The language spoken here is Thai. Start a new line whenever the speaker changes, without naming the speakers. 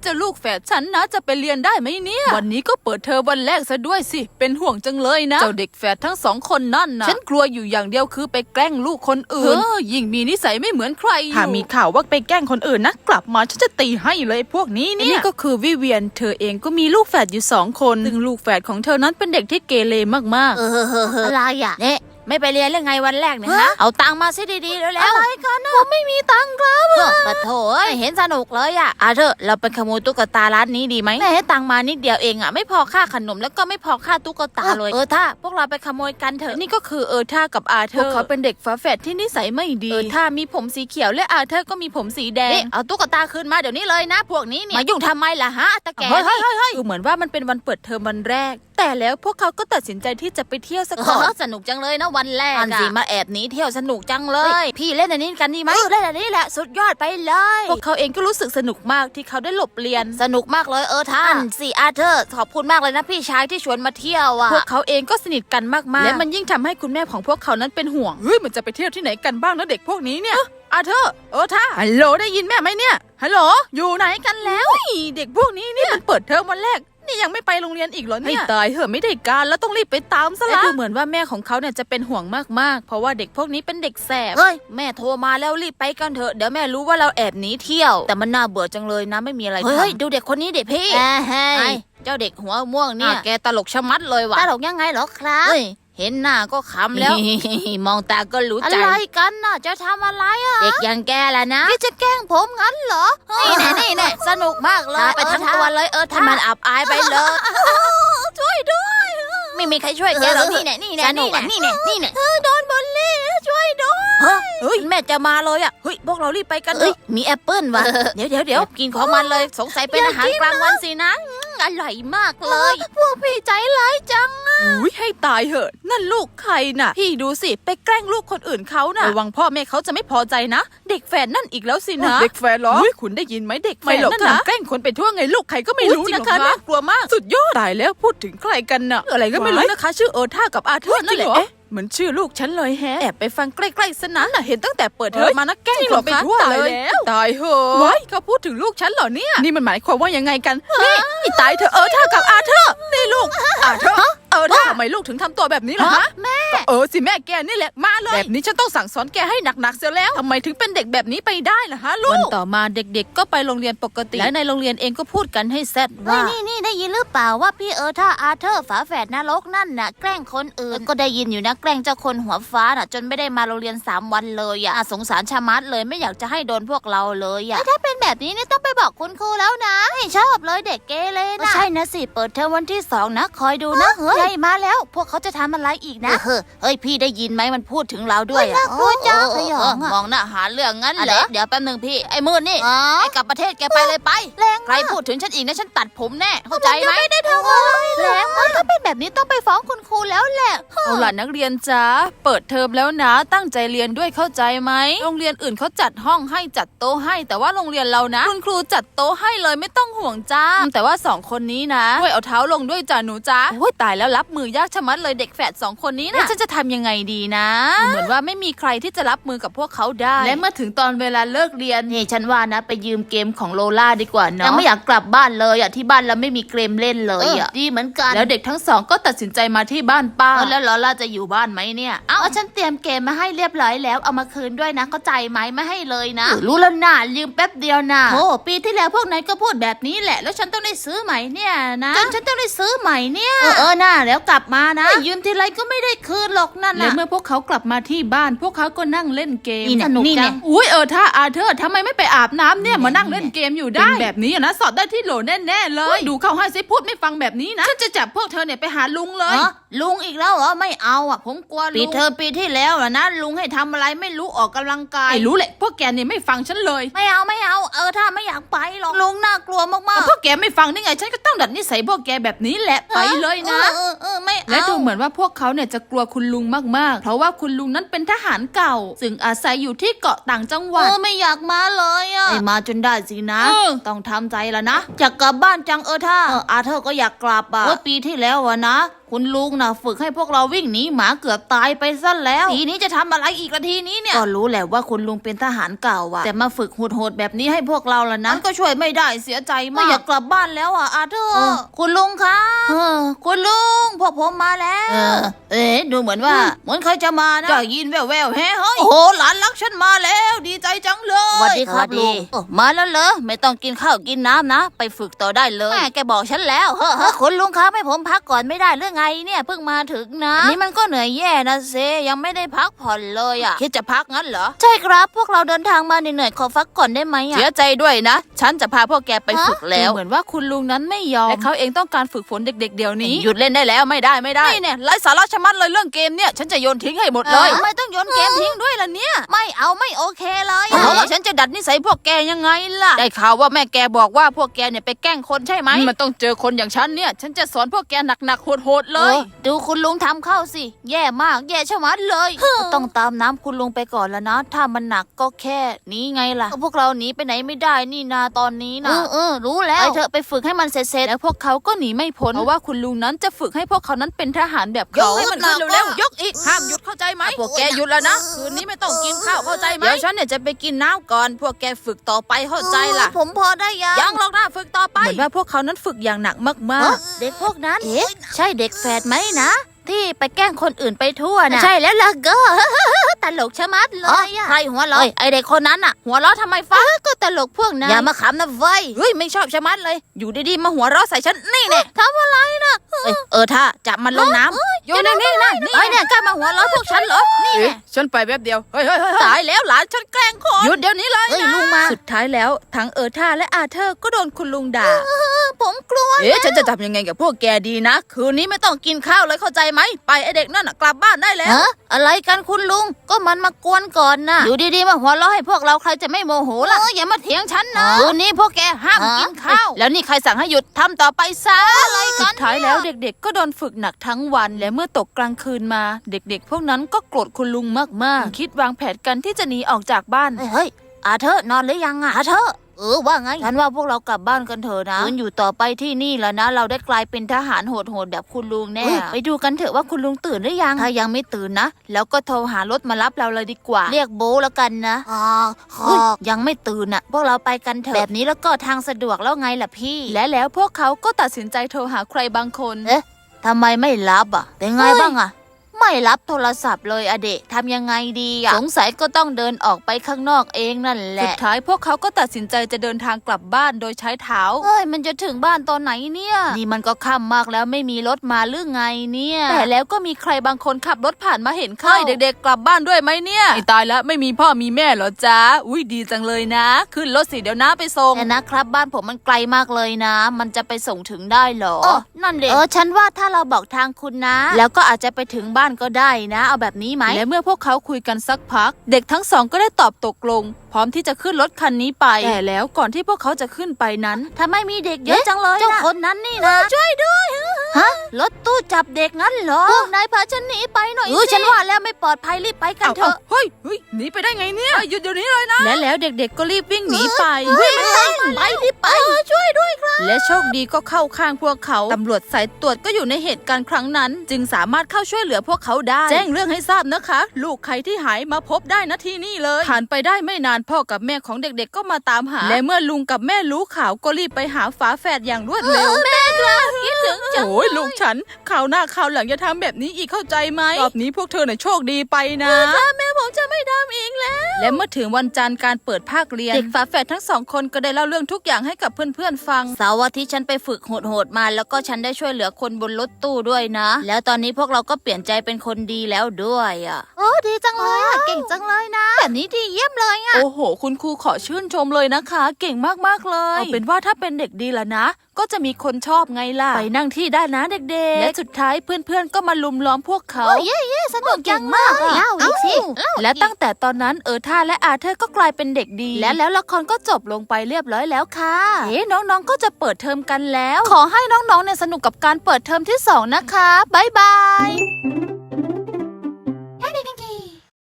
จ้าลูกแฝดฉันนะจะไปเรียนได้ไหมเนี่ยวันนี้ก็เปิดเทอมวันแรกซะด้วยสิเป็นห่วงจังเลยนะเจ้าเด็กแฝดทั้ง2 คนนั่นนะฉันกลัวอยู่อย่างเดียวคือไปแกล้งลูกคนอื่นยิ่งมีนิสัยไม่เหมือนใคร
ถ้ามีข่าวว่าไปแกล้งคนอื่นนะกลับมาฉันจะตีให้เลยพวกนี้เนี่ย
นี่ก็คือวิเวียนเธอเองก็มีลูกแฝดอยู่2 คนซึ่งลูกแฝดของเธอนั้นเป็นเด็กที่เกเรมาก
ๆอะไรอ่ะเนี่ยไม่ไปเรียนเรื่องไงวันแรกเนี่ยฮะเอาตังค์มาซิดีๆแล้ว
อะไรกันนะผมไม่มีตังค์ครับ
ปะโถไม่เห็นสนุกเลยอ่ะเธอเราไปขโมยตุ๊กตาร้านนี้ดีไหมแม่ให้ตังค์มานิดเดียวเองอ่ะไม่พอค่าขนมแล้วก็ไม่พอค่าตุ๊กตาเลยถ้าพวกเราไปขโมยกันเถอะ
นี่ก็คือท่ากับเธอพวกเขาเป็นเด็กฝาแฝดที่นิสัยไม่ดีท่ามีผมสีเขียวและเธอก็มีผมสีแดง
เอาตุ๊กตาคืนมาเดี๋ยวนี้เลยนะพวกนี้เนี่ยมายุ่งทำไมล่ะฮะตะแก
เฮ้ยดูเหมือนว่ามันเป็นวันเปิดเทอมวันแรกแต่แล้วพวกเขาก็ตัดสินใจที่จะไปเที่ยวสักก่อน
สนุกจังเลยนะวันแรกสิมาแอบหนีเที่ยวสนุกจังเลยพี่เล่นอันนี้กันดีไหมเล่นอันนี้แหละสุดยอดไปเลย
พวกเขาเองก็รู้สึกสนุกมากที่เขาได้หลบเรียน
สนุกมากเลยท่านสิเธอขอบคุณมากเลยนะพี่ชายที่ชวนมาเที่ยว
พวกเขาเองก็สนิทกันมากๆและมันยิ่งทำให้คุณแม่ของพวกเขานั้นเป็นห่วงมันจะไปเที่ยวที่ไหนกันบ้างนะเด็กพวกนี้เนี่ยเธอท่าฮัลโหลได้ยินแม่ไหมเนี่ยฮัลโหลอยู่ไหนกันแล้วเด็กพวกนี้นี่มันเปิดเทอมวันแรกนี่ยังไม่ไปโรงเรียนอีกเหรอเนี่ยให้ตายเหอะไม่ได้การแล้วต้องรีบไปตามซะละดูเหมือนว่าแม่ของเขาเนี่ยจะเป็นห่วงมากๆเพราะว่าเด็กพวกนี้เป็นเด็กแสบ
แม่โทรมาแล้วรีบไปกันเถอะเดี๋ยวแม่รู้ว่าเราแอบหนีเที่ยวแต่มันน่าเบื่อจังเลยนะไม่มีอะไรทำดูเด็กคนนี้เด็กพี่เจ้าเด็กหัวม่วงเนี่ยแกตลกชะมัดเลยว่ะ
ตลกยังไงเหรอครับ
เห็นหน้าก็ขำแล้วมองตาก็รู้ใจ
อะไรกันน่ะจะทำอะไร
เด็กอย่างแกแหละนะ
พี่จะแกล้งผมงั้นเหรอ
นี่แน่สนุกมากเลย
ไปทั้งตัวเลย
ถ้ามันอับอายไปเลย
ช่วยด้วย
ไม่มีใครช่วยแกหรอกนี่แน่สนุกนี่แน่
โดนบอลลี่ช่วยด้วย
แม่จะมาเลยอ่ะพวกเรารีบไปกันเลยมีแอปเปิ้ลว่ะเดี๋ยวกินของมันเลยสงสัยเป็นอาหารกลางวันสินะอร่อยมากเลย
พวกพี่ใจร้ายจังให้ตายเหอะนั่นลูกใครน่ะพี่ดูสิไปแกล้งลูกคนอื่นเขาน่ะระวังพ่อแม่เขาจะไม่พอใจนะเด็กแฝดนั่นอีกแล้วสินะเด็กแฝดเหรอคุณได้ยินไหมเด็กแฝดนั่นนะแกล้งคนไปทั่วไงลูกใครก็ไม่รู้นะคะน่ากลัวมากสุดยอดตายแล้วพูดถึงใครกันน่ะอะไรก็ไม่รู้นะคะชื่อท่ากับเธอนั่นแหละเหมือนชื่อลูกฉันเลยแฮะแอบไปฟังใกล้ๆสนั้นน่ะเห็นตั้งแต่เปิดเทอมมานะแกล้งคนไปทั่วเลยตายเหอะว้ายเขาพูดถึงลูกฉันเหรอเนี่ยนี่มันหมายความว่ายังไงกันนี่ตายเธอท่ากับเธอนี่ลูกเธอทำไมลูกถึงทำตัวแบบนี้ล่ะฮะ
แม่
สิแม่แกนี่แหละมาเลยแบบนี้ฉันต้องสั่งสอนแกให้หนักๆเสียแล้วทำไมถึงเป็นเด็กแบบนี้ไปได้ล่ะฮะลูกวันต่อมาเด็กๆก็ไปโรงเรียนปกติและในโรงเรียนเองก็พูดกันให้แซดว่า
นี่ได้ยินหรือเปล่าว่าพี่ท่าเธอฝาแฝดนรกนั่นน่ะแกล้งคนอื่นก็ได้ยินอยู่นะแกล้งเจ้าคนหัวฟ้าน่ะจนไม่ได้มาโรงเรียน3 วันเลยอ่ะสงสารชะมัดเลยไม่อยากจะให้โดนพวกเราเลยอ่ะถ้าเป็นแบบนี้นี่ต้องไปบอกคุณครูแล้วนะไม่ชอบเลยเด็กเกเรนะใช่นะสิเปิดเทอมวันที่2นะคอยดูนะใช่มาแล้วพวกเขาจะทำอะไรอีกนะพี่ได้ยินไหมมันพูดถึงเราด้วย
น่ากลัวจัง
มองหน้าหาเรื่องงั้นเหรอเดี๋ยวแป๊บนึงพี่ไอ้มืดนี่ไอ้กลับประเทศแกไปเลยไปใครพูดถึงฉันอีกนะฉันตัดผมแน่เข้าใจไหม
ไม่ได้ทำอะไร
แรงถ้าเป็นแบบนี้ต้องไปฟ้องคุณครูแล้วแหละ
เอาล่ะนักเรียนจ้าเปิดเทอมแล้วนะตั้งใจเรียนด้วยเข้าใจไหมโรงเรียนอื่นเขาจัดห้องให้จัดโต๊ะให้แต่ว่าโรงเรียนเรานะคุณครูจัดโต๊ะให้เลยไม่ต้องห่วงจ้าแต่ว่า2 คนนี้นะช่วยเอาเท้าลงด้วยจ้าหนูจ้าโอ้ยตายแล้วรับมือยากชะมัดเลยเด็กแฝด2 คนนี้นะฉันจะทำยังไงดีนะเหมือนว่าไม่มีใครที่จะรับมือกับพวกเขาได้และเมื่อถึงตอนเวลาเลิกเรียน
นี่ฉันว่านะไปยืมเกมของโลล่าดีกว่าเนาะยังไม่อยากกลับบ้านเลยอ่ะที่บ้านเราไม่มีเกมเล่นเลยอ่ะ
ดีเหมือนกันแล้วเด็กทั้ง2ก็ตัดสินใจมาที่บ้านป้า
แล้วโลล่าจะอยู่บ้านไหมเนี่ยฉันเตรียมเกมมาให้เรียบร้อยแล้วเอามาคืนด้วยนะเข้าใจไหมไม่ให้เลยนะ
รู้แล้วนะลืมแป๊บเดียวนะ
โอ้ปีที่แล้วพวกนายก็พูดแบบนี้แหละแล้วฉันต้องได้ซื้อใหม่เนี่ยนะฉันต้องได้ซื้อใหม่เนี่ย
น่าแล้วกลับมานะ
ยืมทีไรก็ไม่ได้คืนหรอกนั่น
และเมื่อพวกเขากลับมาที่บ้านพวกเขาก็นั่งเล่นเกมสนุกจังอุ้ยถ้าเธอทำไมไม่ไปอาบน้ำเนี่ยมานั่งเล่นเกมอยู่ได้แบบนี้นะสอบได้ที่โหลแน่ๆเลยดูเข้าให้ซิพูดไม่ฟังแบบนี้นะฉันจะจับพวกเธอเนี่ยไปหาลุงเลย
ลุงอีกแล้วเหรอไม่เอาอ่ะผมกลัวลุงปีที่แล้วนะลุงให้ทำอะไรไม่รู้ออกกำลังกาย
รู้แหละพวกแกเนี่ยไม่ฟังฉันเลย
ไม่เอาถ้าไม่อยากไปหรอกลุงน่ากลัวมาก
ๆพวกแกไม่ฟังได้ไงฉันก็ต้องดัดนิสัยพวกแกแบบนี้แหละไปเลยนะ
ไม่เอา
และดูเหมือนว่าพวกเขาเนี่ยจะกลัวคุณลุงมากๆเพราะว่าคุณลุงนั้นเป็นทหารเก่าซึ่งอาศัยอยู่ที่เกาะต่างจังหวัด
ไม่อยากมาเลยอ่ะ
ไม่มาจนได้สินะต้องทำใจแล้วนะ
อยากกลับบ้านจังถ้าเธอก็อยากกลับอ่ะ
ปีที่แล้วนะ
คุณลุงนะฝึกให้พวกเราวิ่งหนีหมาเกือบตายไปซะแล้วทีนี้จะทำอะไรอีกละทีนี้เนี่ยก็รู้แหละว่าคุณลุงเป็นทหารเก่าอะแต่มาฝึกโหดๆแบบนี้ให้พวกเราล่ะนะก็ช่วยไม่ได้เสียใจมากอยากกลับบ้านแล้วอ่ะอาเธอร์คุณลุงคะคุณลุงพวกผมมาแล้วดูเหมือนว่าเหมือนใครจะมานะจะยินแว่วๆเฮ้ยโอ้โหหลานรักฉันมาแล้วดีใจจังเลยสวัสดีครับลุงมาแล้วเหรอไม่ต้องกินข้าวกินน้ำนะไปฝึกต่อได้เลยแม่แกบอกฉันแล้วคุณลุงครับให้ผมพักก่อนไม่ได้หรือไงเนี่ยเพิ่งมาถึงนะนี่มันก็เหนื่อยแย่นะเซยังไม่ได้พักผ่อนเลยอ่ะคิดจะพักงั้นเหรอใช่ครับพวกเราเดินทางมาเหนื่อยๆขอพักก่อนได้ไหมอ่ะเสียใจด้วยนะฉันจะพาพวกแกไปฝึกแล้ว
เหมือนว่าคุณลุงนั้นไม่ยอมและเขาเองต้องการฝึกฝนเด็กๆเดี๋ยวนี้
หยุดเล่นได้แล้วไม่ได้นี่เนี่ยไร้สาระชะมัดเลยเรื่องเกมเนี่ยฉันจะโยนทิ้งให้หมดเลย
ทำไมต้องโยนเกมทิ้งด้วยล่ะเนี่ยไม่เอาไม่โอเคเลย
เพราะว่าฉันจะดัดนิสัยพวกแกยังไงล่ะได้ข่าวว่าแม่แกบอกว่าพวกแกเนี่ยไปแกล้งคนใช่ไหมมันต้องเจอคนอย่างฉันเนี่ยฉันจะสอนพวกแกหนักๆโหดๆเลย
ดูคุณลุงทำเข้าสิแย่มากแย่ชะมัดเลยต้องตามน้ำคุณลุงไปก่อนแล้วนะถ้ามันหนักก็แค่นี้ไงล่ะพวกเราหนีไปไหนไม่ได้นี่นาตอนนี้นะรู้แล้วไปเถอะไปฝึกให้มันเสร็จ
แล้วพวกเขาก็หนีไม่พ้นเพราะว่าคุณลุงนั้นจะฝึกให้พวกเขานั้นเป็นทหารแบบเขาให้มันขึ้นเร็วๆยกอีกห้ามหยุดเข้าใจไหมพวกแกหยุดแล้วนะคืนนี้ไม่ต้องกินข้าวเข้าใจไหมเดี๋ยวฉันเนี่ยจะไปกินน้ำก่อนพวกแกฝึกต่อไปเข้าใจล่ะ
ผมพอได้
ยังหรอกนะฝึกต่อไปเหมือนว่าพวกเขานั้นฝึกอย่างหนักมาก
ๆเด็กพวกนั้นใช่เด็กแฝดไหมนะที่ไปแกล้งคนอื่นไปทั่วนะใช่แล้วล่ะก็ตลกชะมัดเลย
ใครหัวเราะไอเด็กคนนั้นน่ะหัวเราะทำไมฟ้า
ก็ตลกพวกนั้น
อย่ามาขำนะเว้ยเฮ้ยไม่ชอบชะมัดเลยอยู่ดีๆมาหัวเราะใส่ฉันนี่เนี่ย
ทำอะไรนะ
ถ้าจับมันลงน้ำ
อยู่ในนี่นะ
นี่เนี่ยกล้ามาหัวเราะพวกฉันเหรอนี่ฉันไปแป๊บเดียวเฮ้ยตายแล้วหลานฉันแกล้งคนหยุดเดี๋ยวนี้เลย
ลุงมา
สุดท้ายแล้วทั้งท่าและอาเธอร์ก็โดนคุณลุงด่า
ผมกลัว
ฉันจะทำยังไงกับพวกแกดีนะคืนนี้ไม่ต้องกินข้าวเลยเข้าใจไหมไปไอเด็กนั่นกลับบ้านได้แล้ว
อะไรกันคุณลุงก็มันมากวนก่อนนะอยู่ดีๆมาหัวเราะให้พวกเราใครจะไม่โมโหล่ะ
อย่ามาเถียงฉันนะคืนนี้พวกแกห้ามกินข้าวแล้วนี่ใครสั่งให้หยุดทำต่อไปซะ
อะไรกัน
สุดท้ายแล้วเด็กๆก็โดนฝึกหนักทั้งวันและเมื่อตกกลางคืนมาเด็กๆพวกนั้นก็โกรธคุณลุงมากๆคิดวางแผนกันที่จะหนีออกจากบ้าน
เฮ้ยอาเธอนอนหรือยังอ่ะอาเธอว่าไงฉันว่าพวกเรากลับบ้านกันเถอะนะอยู่ต่อไปที่นี่แล้วนะเราได้กลายเป็นทหารโหดๆแบบคุณลุงแน่ไปดูกันเถอะว่าคุณลุงตื่นหรือยังถ้ายังไม่ตื่นนะแล้วก็โทรหารถมารับเราเลยดีกว่าเรียกโบแล้วกันนะยังไม่ตื่นอ่ะพวกเราไปกันเถอะแบบนี้แล้วก็ทางสะดวกแล้วไงล่ะพี่
และแล้วพวกเขาก็ตัดสินใจโทรหาใครบางคน
ทำไมไม่รับอ่ะเป็นไงบ้างอ่ะไม่รับโทรศัพท์เลยอเดะทำยังไงดีอ่ะสงสัยก็ต้องเดินออกไปข้างนอกเองนั่นแหละ
สุดท้ายพวกเขาก็ตัดสินใจจะเดินทางกลับบ้านโดยใช้เท้า
มันจะถึงบ้านตอนไหนเนี่ย
นี่มันก็ค่ำมากแล้วไม่มีรถมาหรือไงเนี่ยแต่แล้วก็มีใครบางคนขับรถผ่านมาเห็นเข้าเด็กๆกลับบ้านด้วยไหมเนี่ยตายแล้วไม่มีพ่อมีแม่เหรอจ๊ะอุ้ยดีจังเลยนะขึ้นรถสิเดี๋ยวน้าไปส่ง
แต่นะครับบ้านผมมันไกลมากเลยนะมันจะไปส่งถึงได้หรอนั่นเด็กฉันว่าถ้าเราบอกทางคุณนะ
แล้วก็อาจจะไปถึงบ้านก็ได้นะเอาแบบนี้ไหมและเมื่อพวกเขาคุยกันสักพักเด็กทั้งสองก็ได้ตอบตกลงพร้อมที่จะขึ้นรถคันนี้ไปแต่แล้วก่อนที่พวกเขาจะขึ้นไปนั้น
ทำไมมีเด็กเยอะจังเลย
เจ้าคนนั้นนี่นะ
ช่วยด้วยรถตู้จับเด็กงั้นเหรอพวกนายพาฉันหนีไปหน่อยสิฉันว่าแล้วไม่ปลอดภัยรีบไปกันเถอะ
เฮ้ยหนีไปได้ไงเนี่ยหยุดเดี๋ยวนี้เลยนะ
และแล้วเด็กๆก็รีบวิ่งหนีไป
ไปรีบไปช่วยด้วยครับ
และโชคดีก็เข้าข้างพวกเขาตำรวจสายตรวจก็อยู่ในเหตุการณ์ครั้งนั้นจึงสามารถเข้าช่วยเหลือพวกเขาได้แจ้งเรื่องให้ทราบนะคะลูกใครที่หายมาพบได้นะที่นี่เลยผ่านไปได้ไม่นานพ่อกับแม่ของเด็กๆก็มาตามหาและเมื่อลุงกับแม่รู้ข่าวก็รีบไปหาฝาแฝดอย่างรวดเร็ว
แม่ครับคิดถึงจัง
โอ้ยลูกฉันข่าวหน้าข่าวหลังอย่าทำแบบนี้อีกเข้าใจไหมรอบนี้พวกเธอเนี่ยโชคดีไปนะ
แม่ผมจะไม่ทำอีกแล้ว
และเมื่อถึงวันจันทร์การเปิดภาคเรียนเด็กฝาแฝดทั้งสองคนก็ได้เล่าเรื่องทุกอย่างให้กับเพื่อนๆฟัง
เสาร์อาทิตย์ฉันไปฝึกโหดๆมาแล้วก็ฉันได้ช่วยเหลือคนบนรถตู้ด้วยนะแล้วตอนนี้พวกเราก็เปลี่ยนใจเป็นคนดีแล้วด้วยอ่ะดีจังเลยอ่ะเก่งจังเลยนะแบบนี้ดีเยี่ยมเลยอ่ะ
โอ้โหคุณครูขอชื่นชมเลยนะคะเก่งมากๆเลยเอาเป็นว่าถ้าเป็นเด็กดีละนะก็จะมีคนชอบไงล่ะไปนั่งที่ได้นะเด็กๆและสุดท้ายเพื่อนๆก็มาลุมล้อมพวกเขา
เย้สนุกจังมากเล่าอีกสิ
และตั้งแต่ตอนนั้นท่าและอาเธอร์ก็กลายเป็นเด็กดีและแล้วละครก็จบลงไปเรียบร้อยแล้วค่ะน้องๆก็จะเปิดเทอมกันแล้วขอให้น้องๆเนี่ยสนุกกับการเปิดเทอมที่2นะคะบ๊ายบาย